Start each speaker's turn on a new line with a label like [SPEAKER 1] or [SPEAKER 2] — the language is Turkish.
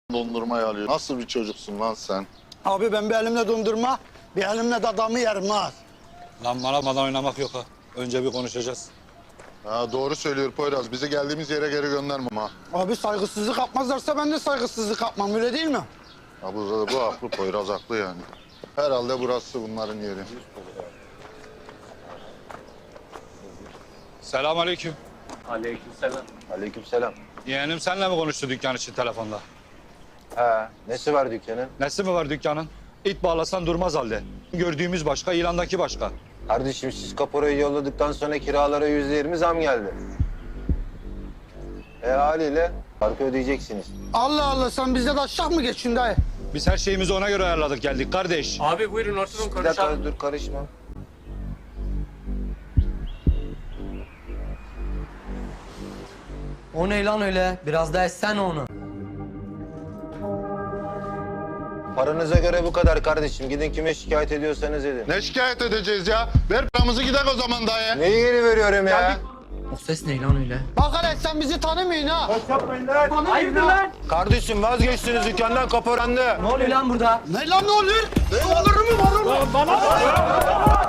[SPEAKER 1] dondurmayı alıyor. Nasıl bir çocuksun lan sen?
[SPEAKER 2] Abi ben bir elimle dondurma, bir elimle de adamı yerim ha.
[SPEAKER 3] Lan bana oynamak yok ha. Önce bir konuşacağız.
[SPEAKER 1] Ha, doğru söylüyor Poyraz. Bizi geldiğimiz yere geri göndermem ha.
[SPEAKER 2] Abi saygısızlık yapmazlarsa ben de saygısızlık yapmam, öyle değil mi?
[SPEAKER 1] Ya bu haklı, Poyraz haklı yani. Herhalde burası bunların yeri.
[SPEAKER 3] Selamünaleyküm.
[SPEAKER 4] Aleykümselam.
[SPEAKER 5] Aleykümselam.
[SPEAKER 3] Yeğenim senle mi konuştu dükkan için telefonda?
[SPEAKER 5] He, nesi var dükkanın?
[SPEAKER 3] Nesi mi var dükkanın? İt bağlasan durmaz halde. Gördüğümüz başka, ilandaki başka.
[SPEAKER 5] Kardeşim siz kaporayı yolladıktan sonra kiralara %20 zam geldi. Haliyle farkı ödeyeceksiniz.
[SPEAKER 2] Allah Allah, sen bizde de aşağı mı geçin dayı?
[SPEAKER 3] Biz her şeyimizi ona göre ayarladık geldik kardeş.
[SPEAKER 4] Abi buyurun oturun
[SPEAKER 5] Bir dakika
[SPEAKER 4] konuşalım.
[SPEAKER 5] dur karışma.
[SPEAKER 6] O ne lan öyle? Biraz daha etsene onu.
[SPEAKER 5] Paranıza göre bu kadar kardeşim. Gidin kime şikayet ediyorsanız edin.
[SPEAKER 1] Ne şikayet edeceğiz ya? Ver paramızı gidelim o zaman dayı.
[SPEAKER 5] Neyi geri veriyorum ya?
[SPEAKER 6] O ses ne lan öyle?
[SPEAKER 2] Bak hele sen bizi tanımıyorsun ha.
[SPEAKER 6] Hayırdır lan?
[SPEAKER 5] Kardeşim vazgeçtiniz dükkandan kaporandı.
[SPEAKER 6] Ne oluyor lan burada?
[SPEAKER 2] Ne lan ne oluyor? Ne olur mu var oğlum?